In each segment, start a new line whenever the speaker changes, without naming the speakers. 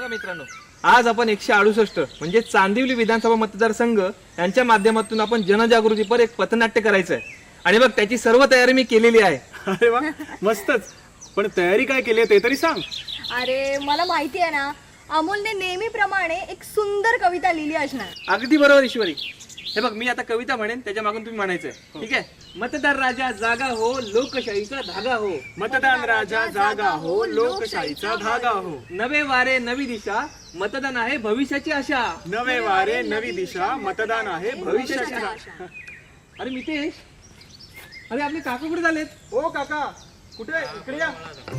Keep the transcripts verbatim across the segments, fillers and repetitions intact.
मित्रांनो, आज आपण एकशे अडुसष्ट म्हणजे चांदिवली विधानसभा मतदारसंघ यांच्या माध्यमातून आपण जनजागृतीपर एक पथनाट्य करायचं आहे आणि बघ त्याची सर्व तयारी मी केलेली आहे.
अरे वा, मस्तच. पण तयारी काय केली ते तरी सांग.
अरे मला माहिती आहे ना, अमोलने नेहमीप्रमाणे एक सुंदर कविता लिहिली असणार.
अगदी बरोबर ईश्वरी. हे बघ, मी आता कविता म्हणेन, त्याच्या मागून तुम्ही म्हणायचंय. ठीक आहे? मतदार राजा जागा हो, लोकशाहीचा धागा हो.
मतदान राजा जागा हो, लोकशाहीचा धागा हो.
नवे वारे नवी दिशा, मतदान आहे भविष्याची आशा.
नवे वारे नवी दिशा, मतदान आहे भविष्याची आशा.
अरे मितेश, अरे आपले काका कुठे झालेत?
ओ काका, कुठे? इकडे या.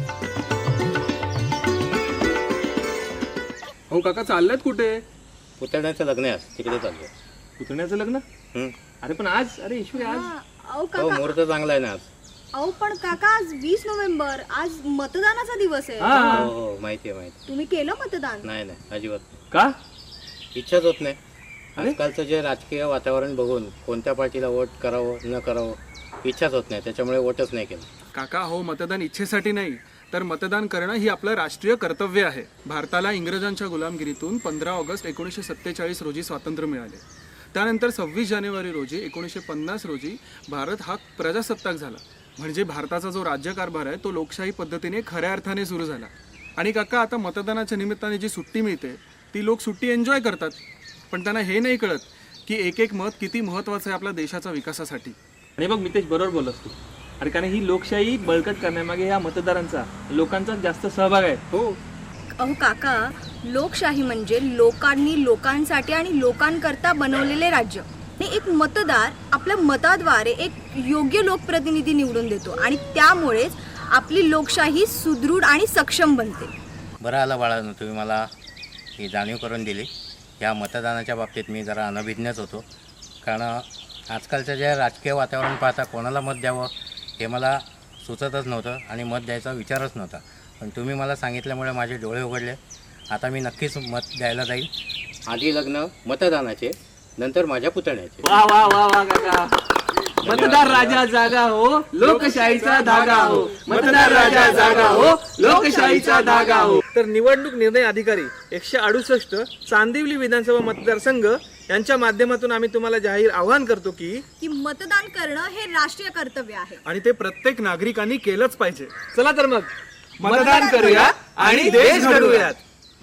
हो काका, चाललेत कुठे?
पुतण्याचं लग्न आहे आज, तिकडे चाललो.
पुतण्याचं लग्न?
हम्म.
अरे पण आज, अरे ईश्वरी आज
अहो
हो,
काका,
मुहूर्त चांगला आहे ना आज.
अहो पण काका, आज वीस नोव्हेंबर, आज मतदानाचा दिवस आहे.
हा.
हो हो, माहिती आहे माहिती
तुम्ही केलं मतदान?
नाही नाही, अजिबात नाही.
का?
इच्छाच होत नाही.
अरे?
आजकालचं जे राजकीय वातावरण बघून कोणत्या पार्टीला वोट करावं न करावं इच्छाच होत नाही, त्याच्यामुळे वोटच नाही केलं.
काका हो, मतदान इच्छेसाठी नाही, तर मतदान करणं ही आपलं राष्ट्रीय कर्तव्य आहे. भारताला इंग्रजांच्या गुलामगिरीतून पंधरा ऑगस्ट एकोणीसशे सत्तेचाळीस रोजी स्वातंत्र्य मिळाले. त्यानंतर सव्वीस जानेवारी रोजी एकोणीसशे पन्नास रोजी भारत हा प्रजासत्ताक झाला. म्हणजे भारताचा जो राज्यकारभार आहे तो लोकशाही पद्धतीने खऱ्या अर्थाने सुरू झाला. आणि काका, आता मतदानाच्या निमित्ताने जी सुट्टी मिळते ती लोक सुट्टी एन्जॉय करतात, पण त्यांना हे नाही कळत की एक एक मत किती महत्त्वाचं आहे आपल्या देशाच्या विकासासाठी.
आणि बघ मितेश, बरोबर बोलस तू. अरे कारण ही लोकशाही बळकट करण्यामागे या मतदारांचा, लोकांचा जास्त सहभाग आहे.
हो.
अहो काका, लोकशाही म्हणजे लोकांनी लोकांसाठी आणि लोकांकरता बनवलेले राज्य. आणि एक मतदार आपल्या मताद्वारे एक योग्य लोकप्रतिनिधी निवडून देतो आणि त्यामुळेच आपली लोकशाही सुदृढ आणि सक्षम बनते.
बरं आलं बाळांनो, तुम्ही मला ही जाणीव करून दिली. या मतदानाच्या बाबतीत मी जरा अनभिज्ञच होतो, कारण आजकालचं जे राजकीय वातावरण पाहता कोणाला मत द्यावं हे मला सुचतच नव्हतं आणि मत द्यायचा विचारच नव्हता. पण तुम्ही मला सांगितल्यामुळे माझे डोळे उघडले. आता मी नक्कीच मत द्यायला जाईल. आधी लग्न मतदानाचे, नंतर माझ्या पुतण्याचे.
वा वा वा वा काका. मतदार राजा जागा हो, लोकशाहीचा धागा हो. मतदार राजा जागा हो, लोकशाहीचा धागा हो. तर निवडणूक निर्णय अधिकारी एकशे अडुसष्ट चांदिवली विधानसभा मतदारसंघ यांच्या माध्यमातून आम्ही तुम्हाला जाहीर आवाहन करतो की
की मतदान करणं हे राष्ट्रीय कर्तव्य आहे
आणि ते प्रत्येक नागरिकांनी केलंच पाहिजे.
चला तर मग मतदान करूया आणि देश घडवूयात.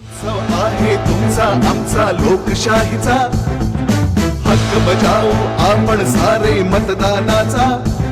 आहे तुमचा आमचा लोकशाहीचा हक्क बजावू आपण सारे मतदानाचा.